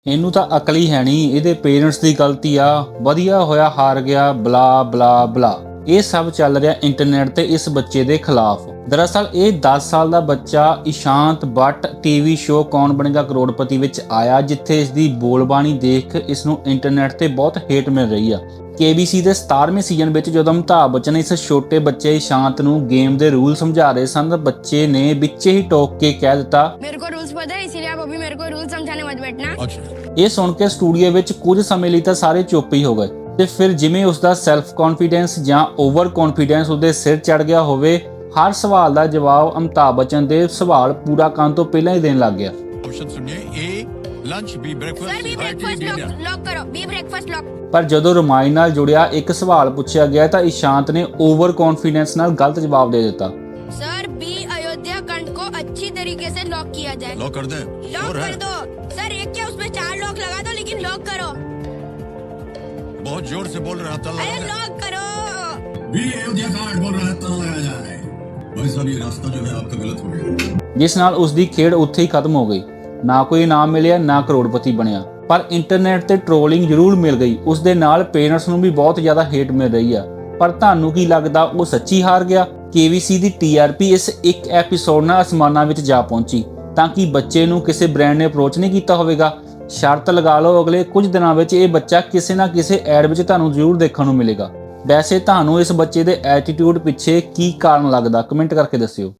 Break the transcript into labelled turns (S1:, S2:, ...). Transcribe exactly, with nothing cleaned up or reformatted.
S1: ਇਹਨੂੰ ਤਾਂ ਅਕਲ ਹੀ ਹੈ ਨਹੀਂ, ਇਹਦੇ ਪੇਰੈਂਟਸ ਦੀ ਗਲਤੀ ਆ, ਵਧੀਆ ਹੋਇਆ ਹਾਰ ਗਿਆ, ਬਲਾ ਬਲਾ ਬਲਾ। ਇਹ ਸਭ ਚੱਲ ਰਿਹਾ ਇੰਟਰਨੈਟ ਤੇ ਇਸ ਬੱਚੇ ਦੇ ਖਿਲਾਫ। ਦਰਅਸਲ ਇਹ ਦਸ ਸਾਲ ਦਾ ਬੱਚਾ ਇਸ਼ਾਂਤ ਬੱਟ ਟੀਵੀ ਸ਼ੋਅ ਕੌਣ ਬਣੇਗਾ ਕਰੋੜਪਤੀ ਵਿੱਚ ਆਇਆ, ਜਿੱਥੇ ਇਸ ਦੀ ਬੋਲਬਾਣੀ ਦੇਖ ਇਸ ਨੂੰ ਇੰਟਰਨੈਟ ਤੇ ਬਹੁਤ ਹੇਟ ਮਿਲ ਰਹੀ ਆ। ਕੇ ਬੀ ਸੀ ਦੇ ਸਤਾਰਵੇਂ ਸੀਜ਼ਨ ਵਿੱਚ ਜਦੋਂ ਅਮਿਤਾਭ ਬੱਚਨ ਇਸ ਛੋਟੇ ਬੱਚੇ ਇਸ਼ਾਂਤ ਨੂੰ ਗੇਮ ਦੇ ਰੂਲ ਸਮਝਾ ਰਹੇ ਸਨ, ਬੱਚੇ ਨੇ ਵਿੱਚੇ ਹੀ ਟੋਕ ਕੇ ਕਹਿ ਦਿੱਤਾ, ਮੇਰੇ ਕੋ ਰੂਲਸ ਪਤਾ ਹੈ, ਇसीलिए आप अभी मेरे को रूल समझाने मत बैठना। ਇਹ ਸੁਣ ਕੇ ਸਟੂਡੀਓ ਵਿੱਚ ਕੁਝ ਸਮੇਂ ਲਈ ਤਾਂ ਸਾਰੇ ਚੁੱਪ ਹੀ ਹੋ ਗਏ ਤੇ ਫਿਰ ਜਿਵੇਂ ਉਸ ਦਾ ਸੈਲਫ ਕੌਨਫੀਡੈਂਸ ਜਾਂ ਓਵਰ ਕੌਨਫੀਡੈਂਸ ਉਹਦੇ ਸਿਰ ਚੜ ਗਿਆ ਹੋਵੇ, ਹਰ ਸਵਾਲ ਦਾ ਜਵਾਬ ਅਮਿਤਾਭ ਬੱਚਨ ਦੇ ਸਵਾਲ ਪੂਰਾ ਕਰਨ ਤੋਂ ਪਹਿਲਾਂ ਹੀ ਦੇਣ ਲੱਗ ਗਿਆ।
S2: Lunch B breakfast B breakfast lock lock करो बी ब्रेकफास्ट लॉक।
S1: ਪਰ ਜਦੋਂ ਰਮਾਇਣ ਨਾਲ ਜੁੜਿਆ ਇੱਕ ਸਵਾਲ ਪੁੱਛਿਆ ਗਿਆ ਤਾਂ ਇਸ਼ਾਂਤ ਨੇ ਓਵਰ ਕੌਨਫੀਡੈਂਸ ਨਾਲ ਗਲਤ ਜਵਾਬ ਦੇ ਦਿੱਤਾ।
S2: सर बी अयोध्या खंड को अच्छी तरीके से लॉक किया जाए। लॉक कर दे, लॉक कर दो सर। एक क्या उसमें चार लॉक लगा दो, लेकिन लॉक करो। बहुत जोर से बोल रहा था, अरे लॉक करो। बी अयोध्या खंड बोल रहा था, लगाया जाए। भाई साहब ये रास्ता जो है आपका गलत हो गया।
S1: ਜਿਸ ਨਾਲ ਉਸ ਦੀ ਖੇਡ ਉੱਥੇ ਹੀ ਖਤਮ ਹੋ ਗਈ। ਨਾ ਕੋਈ ਇਨਾਮ ਮਿਲਿਆ, ਨਾ ਕਰੋੜਪਤੀ ਬਣਿਆ, ਪਰ ਇੰਟਰਨੈਟ ਤੇ ਟ੍ਰੋਲਿੰਗ ਜ਼ਰੂਰ ਮਿਲ ਗਈ। ਉਸ ਦੇ ਨਾਲ ਪੇਰੈਂਟਸ ਨੂੰ ਵੀ ਬਹੁਤ ਜ਼ਿਆਦਾ ਹੇਟ ਮਿਲ ਰਹੀ ਆ। ਪਰ ਤੁਹਾਨੂੰ ਕੀ ਲੱਗਦਾ, ਉਹ ਸੱਚੀ ਹਾਰ ਗਿਆ? ਕੇ ਬੀ ਸੀ ਦੀ ਟੀ ਆਰ ਪੀ ਇਸ ਇੱਕ ਐਪੀਸੋਡ ਨਾਲ ਅਸਮਾਨਾਂ ਵਿੱਚ ਜਾ ਪਹੁੰਚੀ ਤਾਂ ਕਿ ਬੱਚੇ ਨੂੰ ਕਿਸੇ ਬ੍ਰਾਂਡ ਨੇ ਅਪਰੋਚ ਨਹੀਂ ਕੀਤਾ ਹੋਵੇਗਾ। ਸ਼ਰਤ ਲਗਾ ਲਓ ਅਗਲੇ ਕੁਝ ਦਿਨਾਂ ਵਿੱਚ ਇਹ ਬੱਚਾ ਕਿਸੇ ਨਾ ਕਿਸੇ ਐਡ ਵਿੱਚ ਤੁਹਾਨੂੰ ਜ਼ਰੂਰ ਦੇਖਣ ਨੂੰ ਮਿਲੇਗਾ। ਵੈਸੇ ਤੁਹਾਨੂੰ ਇਸ ਬੱਚੇ ਦੇ ਐਟੀਟਿਊਡ ਪਿੱਛੇ ਕੀ ਕਾਰਨ ਲੱਗਦਾ, ਕਮੈਂਟ ਕਰਕੇ ਦੱਸਿਓ।